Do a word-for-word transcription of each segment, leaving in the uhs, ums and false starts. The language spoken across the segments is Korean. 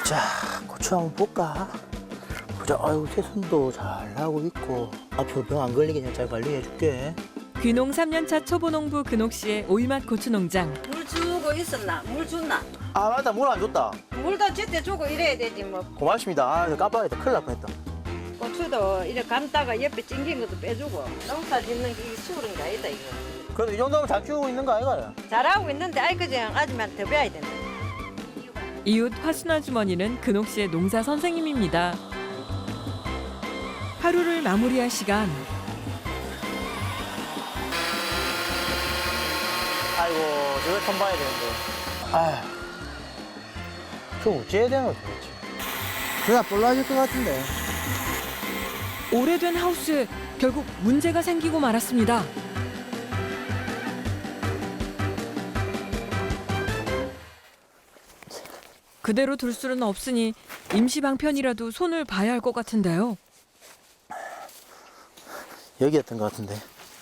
자, 고추 한번 볼까? 보자. 아이고, 새순도 잘 나오고 있고. 앞으로 병 안 걸리게 내가 잘 관리해줄게. 귀농 삼 년 차 초보농부 근옥 씨의 오이맛 고추 농장. 물 주고 있었나? 물 줬나? 아, 맞다. 물 안 줬다. 물도 제때 주고 이래야 되지 뭐. 고맙습니다. 아, 저 깜빡했다. 큰일 날 뻔했다. 고추도 이렇게 감다가 옆에 찡긴 것도 빼주고. 농사 짓는 게 이게 쉬운 게 아니다 이거. 그래도 이 정도면 잘 키우고 있는 거 아이가? 잘하고 있는데 아이 그냥 아줌마한테 더 배워야 된다. 이웃 화순 아주머니는 근옥 씨의 농사 선생님입니다. 하루를 마무리할 시간. 아이고, 저걸 선 봐야 되는데. 아휴. 저 어찌해야 되는 거지, 도대체? 그냥 볼라질 것 같은데. 오래된 하우스에 결국 문제가 생기고 말았습니다. 그대로 둘 수는 없으니 임시 방편이라도 손을 봐야 할 것 같은데요. 여기였던 것 같은데.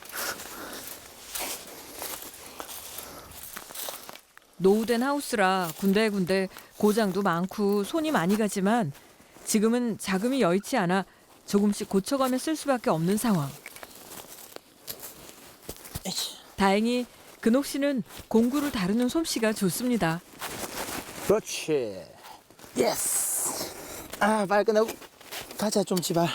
노후된 하우스라 군데군데 고장도 많고 손이 많이 가지만 지금은 자금이 여의치 않아 조금씩 고쳐가며 쓸 수밖에 없는 상황. 다행히 근옥 씨는 공구를 다루는 솜씨가 좋습니다. 그렇지. 예스. 아, 빨리 끝내고 가자, 좀 지발.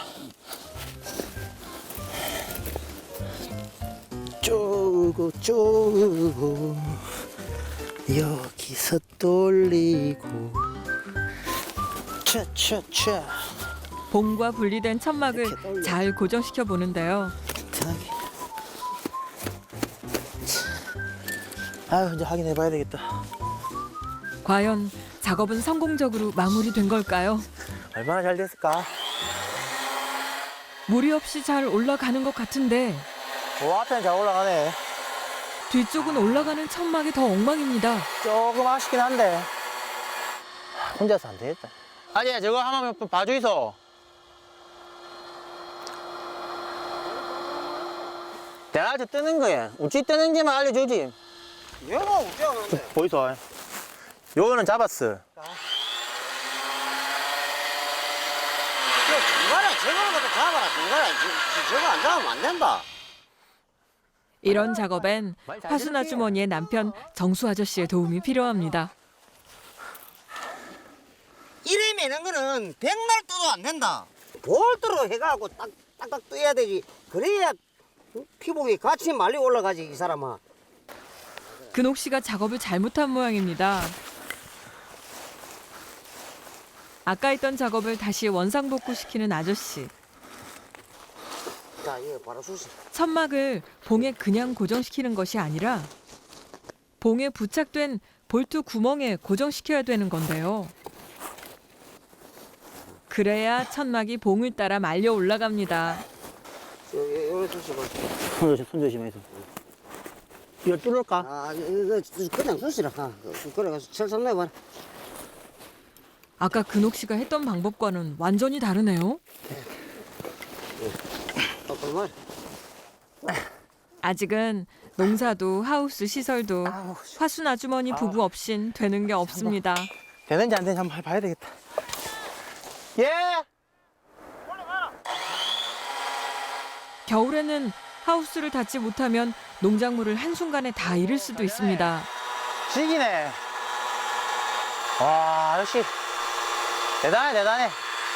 쪼고 쪼고 여기서 돌리고 차차차. 봉과 분리된 천막을 잘 고정시켜 보는데요. 편하게. 아유, 이제 확인해 봐야 되겠다. 과연 작업은 성공적으로 마무리된 걸까요? 얼마나 잘 됐을까? 무리 없이 잘 올라가는 것 같은데 오, 앞에는 잘 올라가네. 뒤쪽은 올라가는 천막이 더 엉망입니다. 조금 아쉽긴 한데 혼자서 안 되겠다. 아니, 저거 한번 봐줘 있어. 내가 아주 뜨는 거야. 어찌 뜨는지만 알려주지. 얘가 어떻게 하는데? 보이소. 요거는 잡았어. 중간에 저거를 갖다 잡아라. 중간에 저- 저거 안 잡으면 안 된다. 이런 작업엔 화순 아주머니의 남편 정수 아저씨의 도움이 필요합니다. 이래 매는 거는 백날 떠도 안 된다. 볼트로 해가지고 딱, 딱딱 떠야 되지. 그래야 피복이 같이 말리 올라가지, 이 사람아. 근옥 씨가 작업을 잘못한 모양입니다. 아까 했던 작업을 다시 원상복구시키는 아저씨. 자, 이거 바로 수시. 천막을 봉에 그냥 고정시키는 것이 아니라 봉에 부착된 볼트 구멍에 고정시켜야 되는 건데요. 그래야 천막이 봉을 따라 말려 올라갑니다. 여기, 여기 수시 봐. 손 조심, 손 조심해서. 이거 뚫을까? 아, 이거 그냥 수시라. 아, 그래가지고 철선 내봐라. 아까 근옥 씨가 했던 방법과는 완전히 다르네요. 어, 그만. 아직은 농사도 하우스 시설도 아우, 화순 아주머니 부부 없인 되는 게 없습니다. 되는지 안 되는지 한번 봐야 되겠다. 예! 겨울에는 하우스를 닫지 못하면 농작물을 한순간에 다 잃을 수도 있습니다. 지기네. 와, 역시 대단해, 대단해.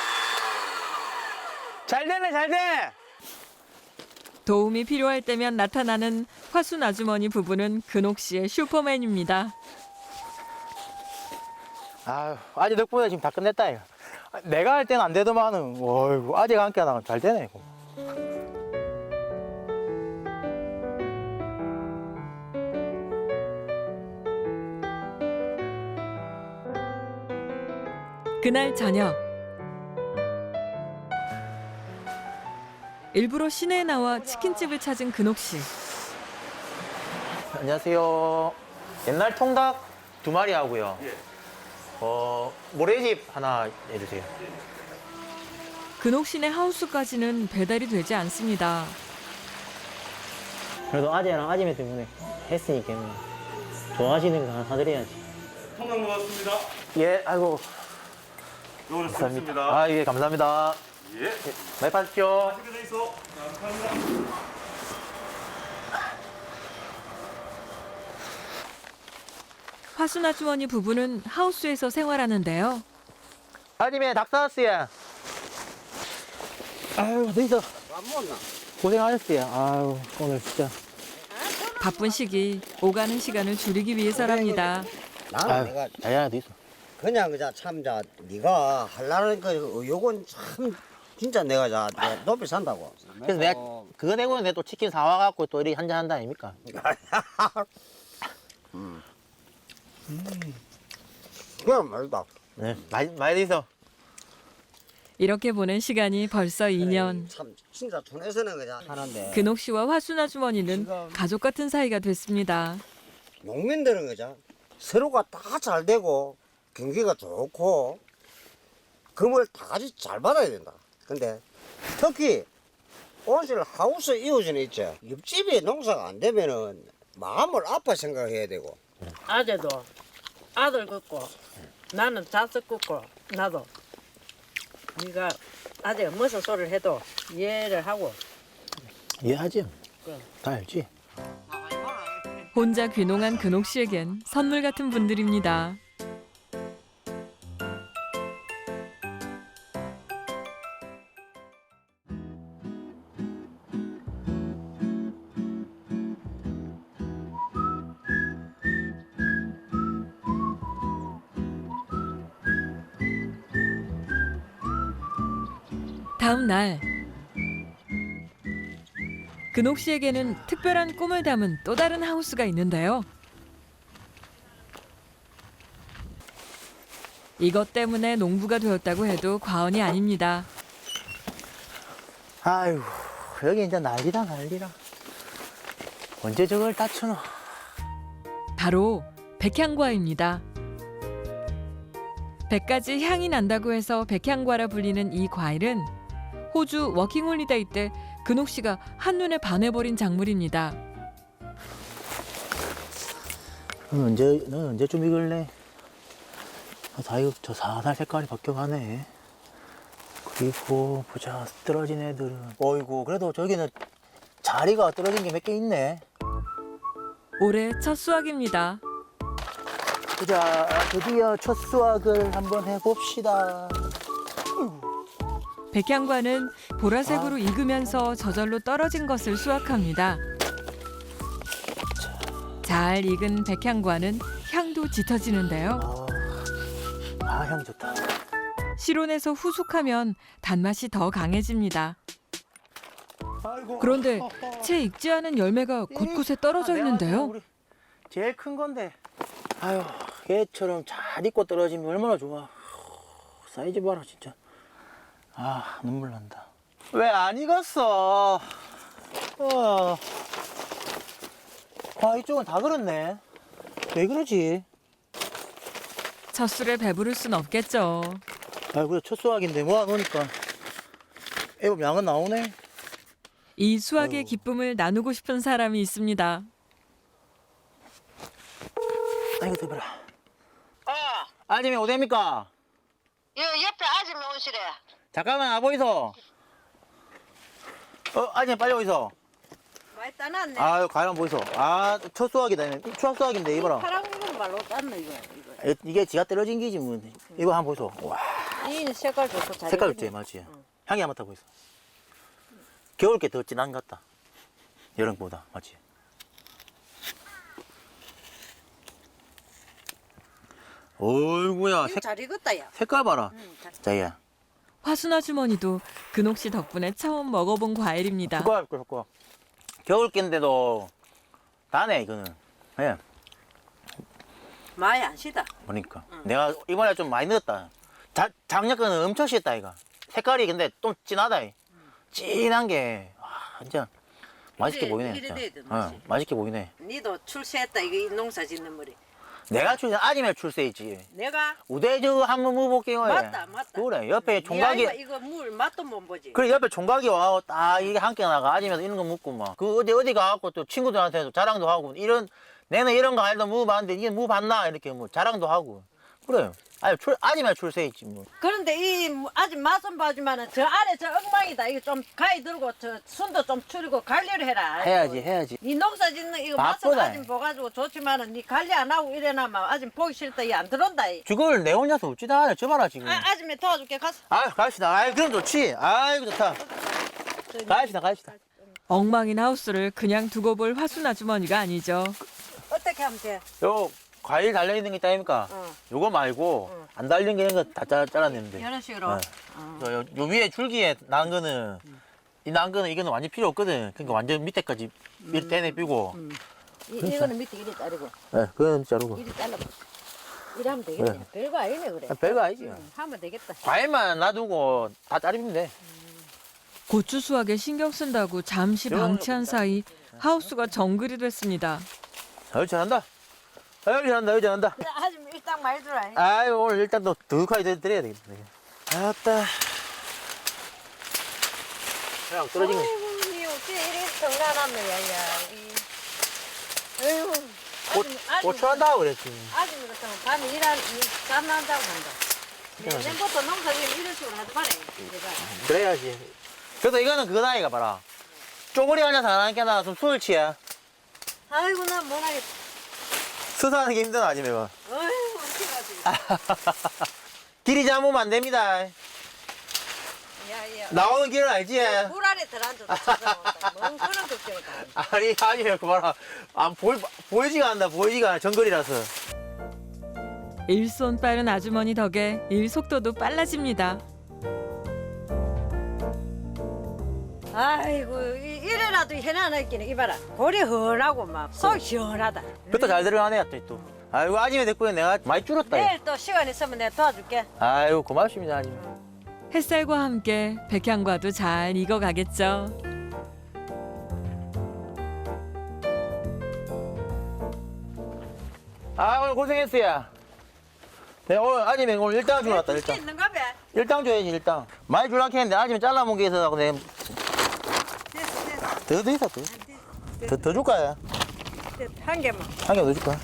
잘 되네, 잘 돼. 도움이 필요할 때면 나타나는 화순 아주머니 부부는 근옥 씨의 슈퍼맨입니다. 아유, 아직 덕분에 지금 다 끝냈다, 이거. 내가 할 때는 안 되더만은, 어이구, 아직 안 깨나 잘 되네, 이거. 그날 저녁 일부러 시내에 나와 치킨집을 찾은 근옥 씨. 안녕하세요. 옛날 통닭 두 마리 하고요. 어, 모래집 하나 해주세요. 근옥 씨네 하우스까지는 배달이 되지 않습니다. 그래도 아재랑 아지매 때문에 했으니까 좋아하시는 거 하나 사드려야지. 통닭 먹었습니다. 예, 아이고. 요거는 감사합니다. 쓰겠습니다. 아, 예, 감사합니다. 예. 많이 받으십시오. 맛있게 돼 있어. 감사합니다. 화순 아주머니 부부는 하우스에서 생활하는데요. 아침에 닭 사왔어요. 아유, 어디서 안 먹나? 고생하셨어요. 아유, 오늘 진짜. 바쁜 시기 오가는 시간을 줄이기 위해서랍니다. 나는 아유, 내가 다양한 데 있어. 그냥 그자 참자 네가 할라는 그 요건 참 진짜 내가 자 내가 높이 산다고. 그래서 내가 그거 내고는 내가 또 치킨 사와갖고 또 이렇게 한잔 한다 아닙니까? 음. 그냥 말다. 네, 많이, 많이 돼 있어. 이렇게 보낸 시간이 벌써 이 년. 참 진짜 촌에서는 그냥 하는데 근옥 씨와 화순 아주머니는 가족 같은 사이가 됐습니다. 농민들은 그죠 서로가 다 잘 되고 경기가 좋고 금을 다 같이 잘 받아야 된다. 근데 특히 온실 하우스 이웃은 있죠. 옆집이 농사가 안 되면은 마음을 아파 생각해야 되고. 아재도 아들 긋고 나는 자식 긋고 나도 네가 아재가 무슨 소리를 해도 이해를 하고 이해하지? 그래. 다 알지? 혼자 귀농한 근옥 씨에겐 선물 같은 분들입니다. 다음 날 근옥 씨에게는 특별한 꿈을 담은 또 다른 하우스가 있는데요. 이것 때문에 농부가 되었다고 해도 과언이 아닙니다. 아유, 여기 이제 난리다, 난리라. 언제 저걸 다 쳐놔? 바로 백향과입니다. 백가지 향이 난다고 해서 백향과라 불리는 이 과일은 호주 워킹홀리데이 때 근옥 씨가 한눈에 반해버린 작물입니다. 넌 언제, 넌 언제쯤 익을래? 아, 다 이거 저 사살 색깔이 바뀌어가네. 그리고 보자, 떨어진 애들은. 어이구, 그래도 저기는 자리가 떨어진 게 몇 개 있네. 올해 첫 수확입니다. 보자, 드디어 첫 수확을 한번 해봅시다. 백향과는 보라색으로 익으면서 저절로 떨어진 것을 수확합니다. 잘 익은 백향과는 향도 짙어지는데요. 아, 아, 향 좋다. 실온에서 후숙하면 단맛이 더 강해집니다. 그런데 채 익지 않은 열매가 곳곳에 떨어져 있는데요. 우리 제일 큰 건데. 아유, 얘처럼 잘 익고 떨어지면 얼마나 좋아. 사이즈 봐라, 진짜. 아, 눈물 난다. 왜 안 익었어? 어. 아, 이쪽은 다 그렇네. 왜 그러지? 첫 술에 배부를 순 없겠죠. 아, 그래, 첫 수확인데 모아놓으니까 애법 양은 나오네. 이 수확의 기쁨을 나누고 싶은 사람이 있습니다. 아이고, 대봐라. 어, 아줌이 어디입니까? 여 옆에 아줌마 온실에. 잠깐만, 와보이소. 어, 아줌마 빨리 오이소. 많이 따놨네. 아유, 가만 보이소. 아, 첫 수확이다. 추석 수확인데, 이봐라. 파란 건 말로 땄네 이거. 이거. 이- 이게 지가 떨어진 기지, 뭐. 이거 한번 보이소. 와, 이 색깔 좋고 잘. 색깔 익었네. 좋지, 맞지? 향이 안 맡아 보이소. 겨울 게 더 진한 것 같다. 여름보다, 맞지? 어이구야, 이거 잘 익었다 야. 색깔 봐라. 응, 잘- 자기야. 화순 아주머니도 근옥 씨 덕분에 처음 먹어본 과일입니다. 숟가락, 숟가락. 겨울 낀데도 다네, 이거는. 예, 많이 안 시다. 보니까. 내가 이번에 좀 많이 넣었다. 자, 작년 거는 엄청 씻다, 이거. 색깔이 근데 좀 진하다. 이. 진한 게, 와, 진짜 맛있게 이래- 보이네. 이래 진짜. 돼야 돼, 어, 맛이. 맛있게 보이네. 니도 출세했다 이거 이 농사 짓는 머리. 내가 출세, 아침에 출세했지. 내가 우대저 한번 먹어볼게요. 예. 맞다, 맞다. 그래, 옆에 니 총각이. 아이가 이거 물 맛도 못 보지. 그래, 옆에 총각이 와, 딱 이게 함께 나가. 아침에 이런 거 먹고 막. 그 어디 어디 가갖고 또 친구들한테도 자랑도 하고. 이런, 내는 이런 과일도 먹어봤는데 이게 먹어봤나? 이렇게 뭐 자랑도 하고. 그래. 아니 출 아니면 출세 있지 뭐. 그런데 이 뭐 아직 맛은 봐주면은 저 아래 저 엉망이다. 이거 좀 가위 들고 저 순도 좀 줄이고 관리를 해라. 해야지 해야지. 이 농사 짓는 이거 맛은 바쁘다. 아직 봐가지고 좋지만은 니 관리 안 하고 이래나면 아직 보기 싫다. 이 안 들어온다. 이. 저걸 내 혼자서 어찌다 하냐 저 봐라 지금. 아, 아줌마 도와줄게 가서. 아 갑시다. 아이 그럼 좋지. 아이고 좋다. 갑시다 갑시다. 엉망인 하우스를 그냥 두고 볼 화순 아주머니가 아니죠. 어떻게 하면 돼? 요 과일 달려 있는 게 있다 아닙니까? 어. 요거 말고 어. 안 달린 게 있는 거 다 잘라내면 돼. 이런 식으로. 네. 어. 요, 요, 요 위에 줄기에 난 거는 이 난 거는 이거는 완전 필요 없거든. 그러니까 완전 밑에까지 밀 떼내 삐고. 음. 이, 이거는 밑에 이리 자르고 네, 그건 자르고. 이리 잘라봐. 이리 하면 되겠네. 네. 별거 아니네 그래. 아, 별거 아니지. 응, 하면 되겠다. 과일만 놔두고 다 자르면 돼. 고추 수확에 신경 쓴다고 잠시 방치한 사이 하우스가 정글이 됐습니다. 아유 잘한다. 아유 잘한다. 아유 잘한다. 그래 아줌마 일당 많이 들어. 아유 오늘 일단 또 두둑하게 드- 드려야 되겠다. 아따. 그냥 떨어진 거. 아이고 니 어째 이리 정난하네 야야. 아이고. 고, 고추한다고 그랬지. 아줌마 같으면 밤에 일한 잠 난다고 한다. 내년부터 농사지면 이런 식으로 하지 마라. 내가. 그래야지. 그래도 이거는 그거다 아이가 봐라. 쪼그리 앉아서 안 하니까 나 좀 술을 취해. 아이고 나 못하겠다. 수사하는 게 힘드나 아니면 이거. 아이고 어떡하지. 길이 잡으면 안 됩니다. 야야. 나오는 길은 알지? 물 안에 들어앉아도 찾아온다. 뭔 그런 걱정을 다. 아니 아니면 그 봐라. 안 보이 보이지가 않나 보이지가 않아 정글이라서. 일손 빠른 아주머니 덕에 일 속도도 빨라집니다. 아이고 이- 이래라도 해놔 있기는 이봐라. 골이 헌하고 막 속 시원하다. 그것도 잘 들어가네 또 또. 아이고 아침에 됐고 내가 많이 줄었다. 내일 또 시간 있으면 내가 도와줄게. 아이고 고맙습니다 아침. 햇살과 함께 백향과도 잘 익어가겠죠. 아 오늘 고생했어요. 네 오늘 아침에 오늘 일당 주러 왔다 줄게 일당. 있는가 봐. 일당 줘야지 일당. 많이 줄라 했는데 아침에 잘라먹은 게 있어서 내가 됐어 됐어. 더 더 있어 더. 더, 더 줄까요? 됐어. 한 개만. 한 개 더 줄까?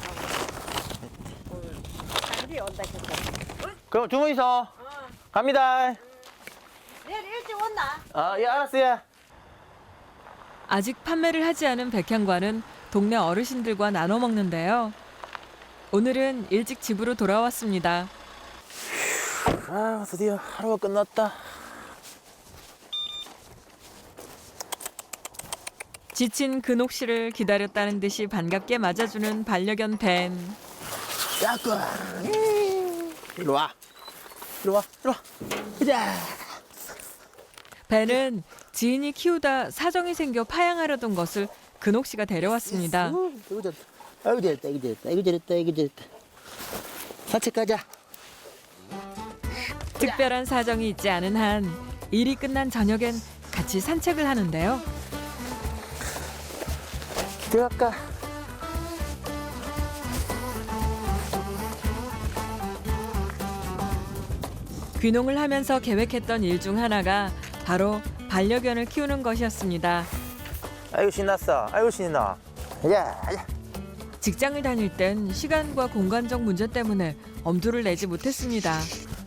단디 온다 했다. 그럼 주문 있어. 어. 갑니다. 내일 일찍 온나? 아 예 알았어요. 아직 판매를 하지 않은 백향과는 동네 어르신들과 나눠 먹는데요. 오늘은 일찍 집으로 돌아왔습니다. 아 드디어 하루가 끝났다. 지친 근옥 씨를 기다렸다는 듯이 반갑게 맞아주는 반려견 벤. 야꾸. 이리 와. 이리 와. 이리 와. 가자. 벤은 지인이 키우다 사정이 생겨 파양하려던 것을 근옥 씨가 데려왔습니다. 아이고 잘했다. 아이고 잘했다. 아이고 잘했다. 아이고 잘했다. 아이고 잘했다. 산책 가자. 특별한 사정이 있지 않은 한 일이 끝난 저녁엔 같이 산책을 하는데요. 들어갈까? 귀농을 하면서 계획했던 일 중 하나가 바로 반려견을 키우는 것이었습니다. 아이고 신났어. 아이고 신나. 가자. 가자. 직장을 다닐 땐 시간과 공간적 문제 때문에 엄두를 내지 못했습니다.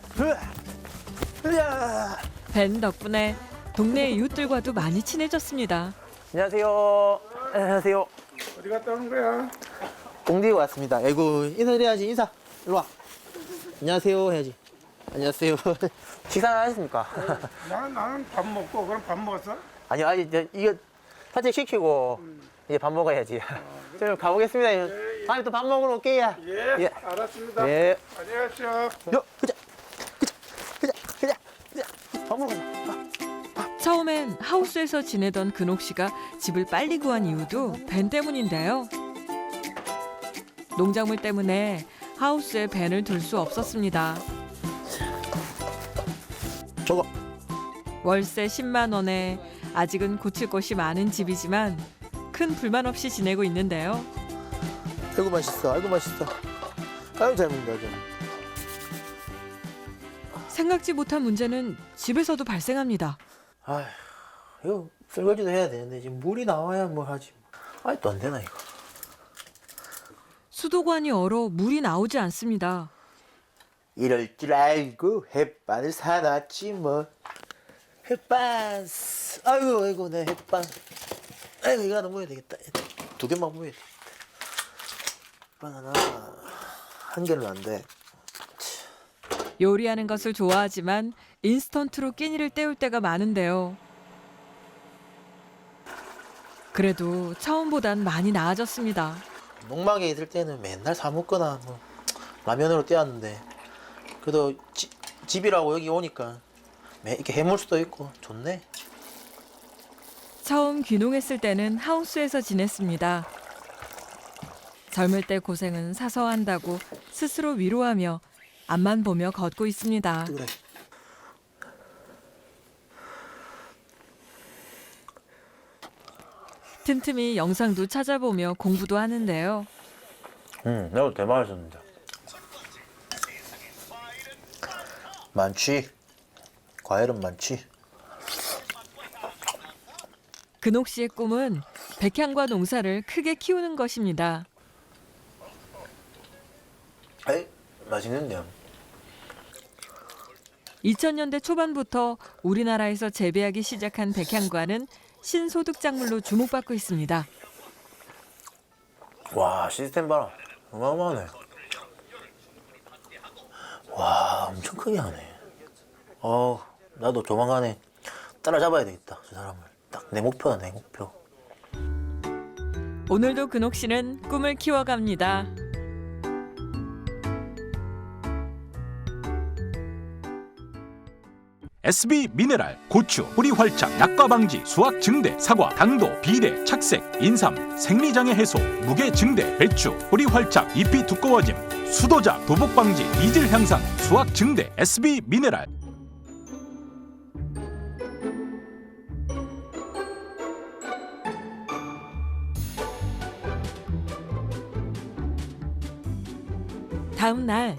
가자. 벤 덕분에 동네 이웃들과도 많이 친해졌습니다. 안녕하세요. 안녕하세요. 어디 갔다 오는 거야? 공디에 왔습니다. 아이고 인사드려야지 인사. 일로 와. 안녕하세요 해야지. 안녕하세요. 식사 하셨습니까? 나는 나는 밥 먹고 그럼 밥 먹었어? 아니요 아직 이제 이거 산책 시키고 이제 밥 먹어야지. 저는 가보겠습니다. 다음에 또 밥 먹으러 올게요. 예, 예. 알았습니다. 예. 안녕하세요. 요 가자. 가자. 가자. 가자. 밥 먹으러 가자. 처음엔 하우스에서 지내던 근옥 씨가 집을 빨리 구한 이유도 벤 때문인데요. 농작물 때문에 하우스에 벤을 둘 수 없었습니다. 저거. 월세 십만 원에 아직은 고칠 것이 많은 집이지만 큰 불만 없이 지내고 있는데요. 아이고 맛있어. 아이고 맛있어. 아이고 잘 먹는다. 좀. 생각지 못한 문제는 집에서도 발생합니다. 아휴, 이거 설거지도 해야 되는데 지금 물이 나와야 뭐 하지. 아이 또 안 되나 이거. 수도관이 얼어 물이 나오지 않습니다. 이럴 줄 알고 햇반을 사놨지 뭐. 햇반. 아이고 아이고 내 햇반. 아이고 이거 하나 모여야 되겠다. 두 개만 모여야 되겠다. 햇반 하나 한 개는 안 돼. 요리하는 것을 좋아하지만 인스턴트로 끼니를 때울 때가 많은데요. 그래도 처음보단 많이 나아졌습니다. 농막에 있을 때는 맨날 사 먹거나 뭐 라면으로 때웠는데 그래도 지, 집이라고 여기 오니까 매, 이렇게 해물 수도 있고 좋네. 처음 귀농했을 때는 하우스에서 지냈습니다. 젊을 때 고생은 사서 한다고 스스로 위로하며 앞만 보며 걷고 있습니다. 그래. 틈틈이 영상도 찾아보며 공부도 하는데요. 응, 내가 대박이었는데. 많지. 과일은 많지. 근옥 씨의 꿈은 백향과 농사를 크게 키우는 것입니다. 에이, 맛있는데요. 이천 년대 초반부터 우리나라에서 재배하기 시작한 백향과는 신소득 작물로 주목받고 있습니다. 와, 시스템 봐라. 어마어마하네. 와, 엄청 크게 하네. 어, 나도 조만간에 따라잡아야 되겠다, 저 사람을. 딱 내 목표다, 내 목표. 오늘도 근옥 씨는 꿈을 키워갑니다. 에스비 미네랄, 고추, 뿌리 활착, 약과 방지, 수확 증대, 사과, 당도, 비대, 착색, 인삼, 생리장애 해소, 무게 증대, 배추, 뿌리 활착, 잎이 두꺼워짐, 수도자, 도복 방지, 이질 향상, 수확 증대, 에스비 미네랄. 다음 날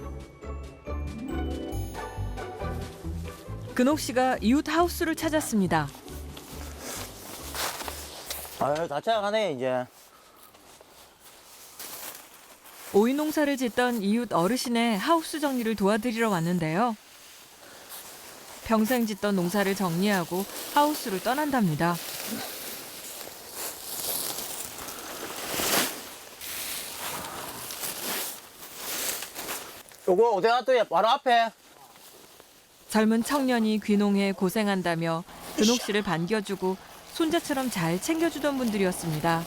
근옥 씨가 이웃 하우스를 찾았습니다. 아유, 다 찾아가네, 이제. 오이 농사를 짓던 이웃 어르신의 하우스 정리를 도와드리러 왔는데요. 평생 짓던 농사를 정리하고 하우스를 떠난답니다. 요거 어디 놔둬야 바로 앞에. 젊은 청년이 귀농해 고생한다며 근옥 씨를 반겨주고 손자처럼 잘 챙겨주던 분들이었습니다.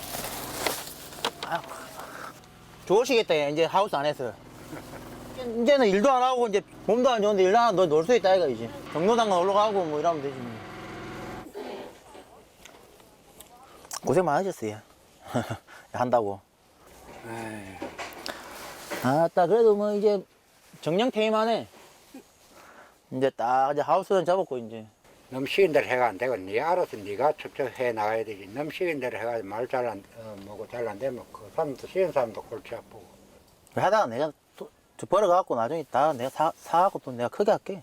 좋으시겠다, 이제 하우스 안에서. 이제는 일도 안 하고, 이제 몸도 안 좋은데 일도 안 하고 놀 수 있다, 이거 이제. 경로당만 올라가고 뭐 이러면 되지. 뭐. 고생 많으셨어요. 한다고. 아따, 그래도 뭐 이제 정령퇴임하네. 이제 딱 이제 하우스는 잡았고, 이제. 너무 시킨 대로 해가 안 되고 네 알아서 네가 척척 해 나가야 되지. 너무 시킨 대로 해가지고 말 잘 안 어, 뭐고 잘 안 되면 그 사람도 시킨 사람도 골치 아프고. 하다가 내가 또, 저 벌어갖고 나중에 다 내가 사, 사갖고 또 내가 크게 할게.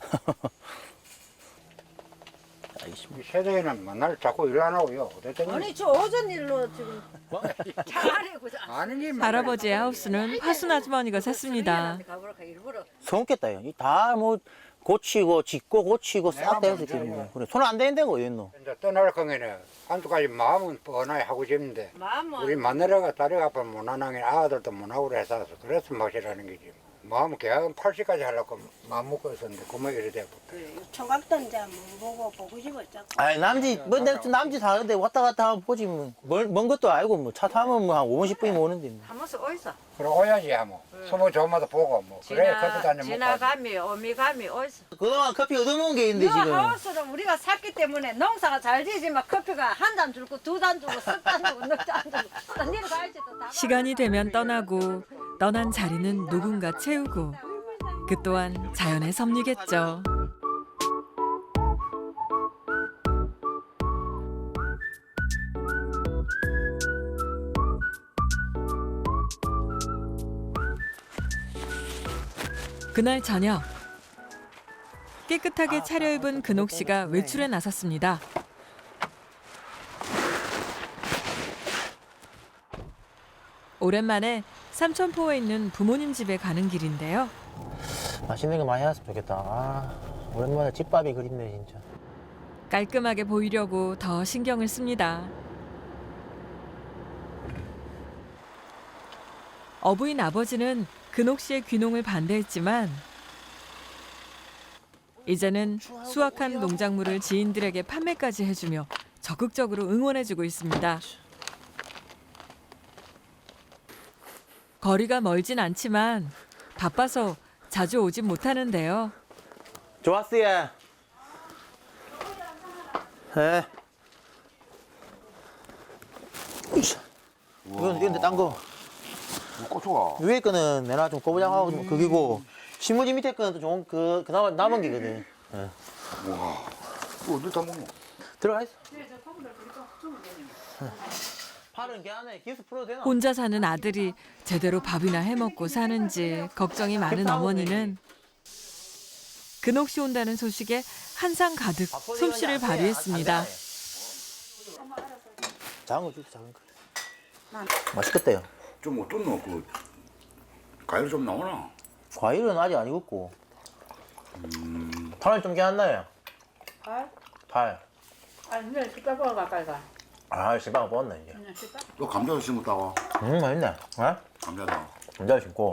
알겠습니다. 이 세대에는 맨날 자꾸 일 안 하고요. 어쨌든 아니 저 오전 일로 지금 잘하려고 아는 일 할아버지의 하우스는 화순 아주머니가 샀습니다. 가보라카 일부러 손겠다, 요. 다 뭐 고치고, 짓고, 고치고, 싹 내가 돼서 먼저 지금. 그래, 손 안 대는데고, 얘는. 이제 떠날 거에는 한두가지 마음은 뻔하게 하고 싶은데 마음은 우리 마누라가 딸이 아빠 못하는 아들도 못하고 해서 그래서 멋이라는 거지. 마음 계약은 팔십까지 하려고 마음 먹고 있었는데 그만 이래 되고. 총각도 이제 못 보고 보고 싶었죠. 아이, 남지, 뭐, 내 남지 사는데 왔다 갔다 하면 보지, 뭐. 멀, 먼 것도 알고, 뭐. 차 타면 뭐 한 오, 십 분이면 오는데. 뭐. 한 번씩 어디서 그래 오야지 뭐. 소문 좋은 것도 보고 뭐. 그래 커피 지나 다녀 먹고. 지나감이 오미감이 어디서 그동안 커피 얻어먹은 게 있는데, 이 지금. 하우스를 우리가 샀기 때문에 농사가 잘 되지만 커피가 한 잔 줄고 두 잔 주고 석 잔 주고 넉 잔 주고 또 내려가야지 또 다 시간이 되면 떠나고 떠난 자리는 누군가 채우고 그 또한 자연의 섭리겠죠. 그날 저녁 깨끗하게 차려입은 근옥 씨가 외출에 나섰습니다. 오랜만에 삼천포에 있는 부모님 집에 가는 길인데요. 맛있는 거 많이 해놨으면 좋겠다. 아, 오랜만에 집밥이 그립네 진짜. 깔끔하게 보이려고 더 신경을 씁니다. 어부인 아버지는 근옥 씨의 귀농을 반대했지만 이제는 수확한 농작물을 지인들에게 판매까지 해주며 적극적으로 응원해주고 있습니다. 거리가 멀진 않지만 바빠서 자주 오진 못하는데요. 좋았어요. 예. 이건 이건 딴 거. 고추가. 위에 거는 내가 좀 꼬부장하고 좀 그기고 신문지 밑에 거는 또 좀 그 그나마 남은 게거든. 예. 와. 이거 어디 다 먹노? 들어가 있어. 팔은 걔 안에 기스 풀어도 되나? 혼자 사는 아들이 제대로 밥이나 해먹고 사는지 걱정이 많은 어머니는 근옥 씨 온다는 소식에 한상 가득 솜씨를 발휘했습니다. 작은 거 줄게 작은 거. 맛있겠다요. 좀 어떻노? 그 과일 좀 나오나? 과일은 아직 안 익었고. 음. 팔은 좀 괜찮나요? 팔? 팔. 아니 내일 식당 보러 가까이 가. 아 실망 뽑았네 이제. 그냥 식당. 또 감자도 심었다고? 음 맛있네. 어? 감자도. 감자 심고.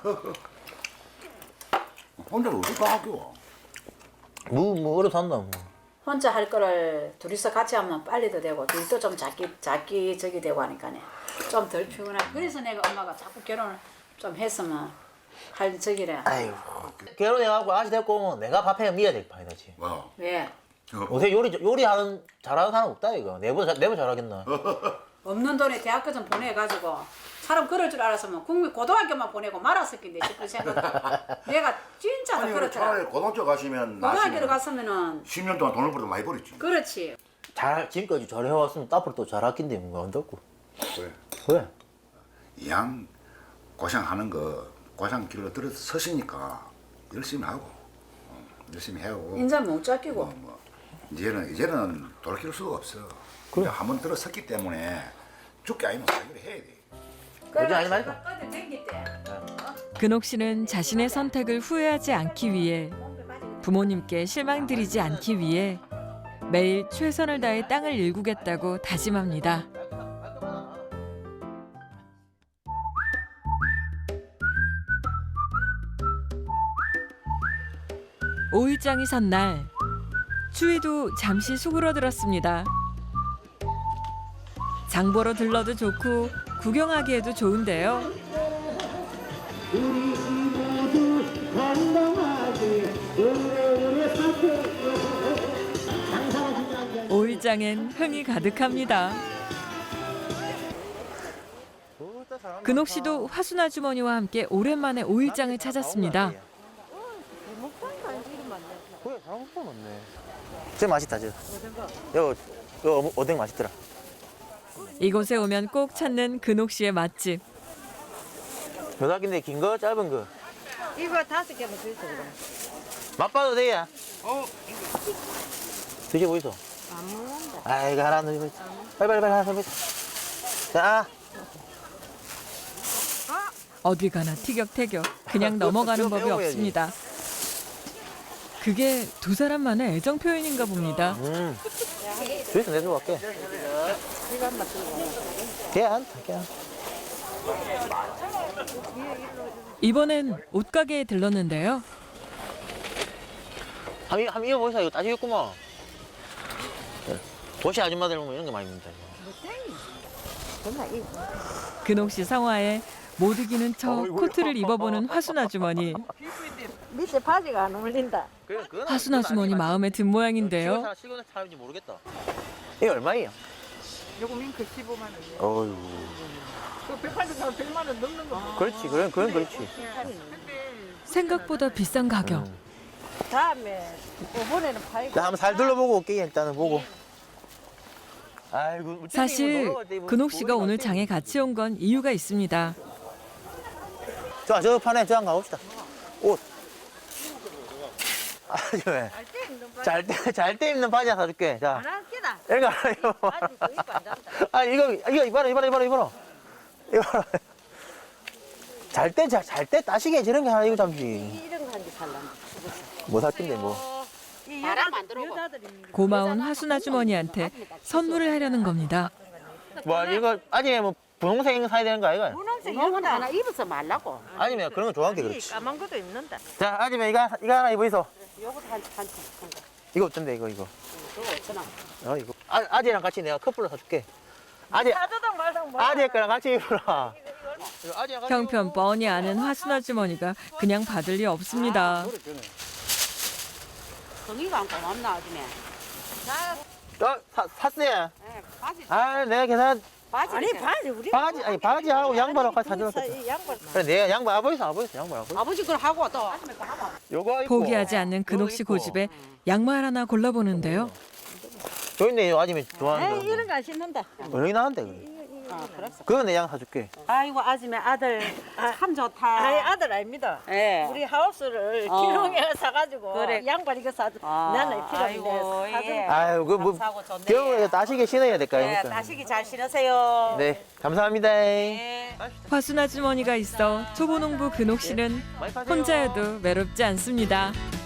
혼자 어디 가 학교? 뭐뭐 얼어 산다 뭐. 혼자 할 거를 둘이서 같이 하면 빨리도 되고 둘도 좀 작기 작기 저기 되고 하니까네 좀 덜 피곤하고 그래서 내가 엄마가 자꾸 결혼을 좀 했으면 할 저기래. 아이고. 결혼해갖고 아시 됐고 오면 내가 밥해 미야 될 판이지. 와. 왜? 요새 요리 요리하는 잘하는 사람 없다 이거. 내보다 내보 잘하겠나? 없는 돈에 대학교 좀 보내가지고 사람 그럴 줄 알았으면 국민 고등학교만 보내고 말았을 건데 싶은 생각. 내가 진짜 다 아니 그렇더라. 차라리 고등학교 가시면 고등학교를 나시면 갔으면은 십 년 동안 돈을 벌어 많이 벌었지. 그렇지. 잘 지금까지 잘해왔으면 앞으로 또 잘하긴데 뭔가 안 덥고. 그래. 그래. 이양 고생하는 거 고생 길로 들어 서시니까 열심히 하고 어, 열심히 해오고. 인자 못 잡히고. 뭐, 뭐. 이제는 이제는 돌이킬 수가 없어. 그래. 한번 들어섰기 때문에 죽게 아니면 살기를 해야 돼. 그러지 아니 말고. 어디 댕길 때. 근옥 씨는 자신의 선택을 후회하지 않기 위해 부모님께 실망드리지 않기 위해 매일 최선을 다해 땅을 일구겠다고 다짐합니다. 오일장이 선 날 추위도 잠시 수그러들었습니다. 장 보러 들러도 좋고 구경하기에도 좋은데요. 오일장엔 흥이 가득합니다. 근옥 씨도 화순 아주머니와 함께 오랜만에 오일장을 찾았습니다. 그래 잘못 넣네. 제 맛있다 저. 요, 요 오뎅 맛있더라. 이곳에 오면 꼭 찾는 근옥 씨의 맛집. 요닥인데 긴 거 짧은 거. 이거 다섯 개만 더 있어 그럼. 맛봐도 돼야. 어. 드셔보이소. 안 먹는다. 아 이거 하나 넣어줘. 빨리 빨리 빨리 하나 더. 자. 어디 가나 티격태격 그냥 넘어가는 법이 없습니다. 그게 두 사람만의 애정 표현인가 봅니다. 음. 주에서 내주고 갈게. 걔안 걔안. 이번엔 옷가게에 들렀는데요. 한번 한번 입어보세요. 이거 따지겠구만. 도시 아줌마들 보면 이런 거 많이 입는다. 근옥 씨 성화에 못 이기는 척 코트를 입어보는 화순 아주머니. 밑에 바지가 안 어울린다. 화순 아주머니 마음에 든 모양인데요. 실거는 사람인지 모르겠다. 이게 얼마예요? 요거 밍크 십오만 원이에요. 어휴. 그 백팔십 사면 백만 원 넘는 거. 그렇지, 그런 그런 그렇지. 생각보다 비싼 가격. 음. 다음에 이번에는 팔고. 자, 한번 살 둘러보고 올게요. 일단은 보고. 아이고. 사실 근옥 씨가 오늘 장에 같이 온 건 이유가 있습니다. 자, 저 판에 저한 가봅시다. 옷. 아, 저 잘때 잘 때 입는 바지 하나 사줄게. 자. 하나 끼다. 이거 하나 입어. 바지 그 입고 안 잡다. 아, 이거 이거 입어라, 입어라, 입어라, 입어라. 입어라. 잘 때 잘 때 따시게 저런 게 하나 이거 잠시. 이런 거 한 개 뭐 샀긴데 뭐. 바람 안 들어오고. 고마운 화순 아주머니한테 선물을 하려는 겁니다. 뭐 이거 아침에 뭐 분홍색 사야 되는 거 아이가? 분홍색 이건 하나 입어서 말라고. 아니면 그런 거 좋아한 게 그렇지. 까만 것도 입는다. 자, 아침에 이거 이거 하나 입어 있어. 요거 한 한 한 거. 이거 어떤데 이거 이거? 그거 오천 원. 어 이거. 아, 아재랑 같이 내가 커플로 사줄게. 아재 사주당 말당 뭐. 아재 거랑 같이 입어라. 이거 아재랑 같이 형편 뻔히 아는 화순 아주머니가 그냥 받을 리 없습니다. 성의가 안 고맙나 아줌마. 어, 사, 샀어요. 네, 바지. 아, 내가 계산 바지. 아니 바지 우리 바지 아니 바지하고 양말하고 같이 사줬어. 양말. 그래 내가 양말 아버지서 아버지서 양말하고. 아버지 걸 하고 또 아줌마 거 하고. 요거 입고. 포기하지 않는 근옥 씨 고집에 양말 하나 골라보는데요. 저기 있네, 요 아줌이 좋아하는 거. 이런 거 안 신는다. 얼마나 나한테 그래. 아, 그랬어. 그거 내 양 사줄게. 아이고 아줌마 아들 참 좋다. 아니 아들 아닙니다. 예. 우리 하우스를 어. 기농에 사가지고 그래. 양말 이거 사. 아, 나는 필요 아이고, 없는데 사준. 예. 아유, 그뭐 감사하고 좋네. 겨울에 따시게 신어야 될 거 네, 아닙니까? 따시기 잘 신으세요. 네, 감사합니다. 네. 화순 아주머니가 있어 초보농부 근옥 씨는 혼자여도 외롭지 않습니다.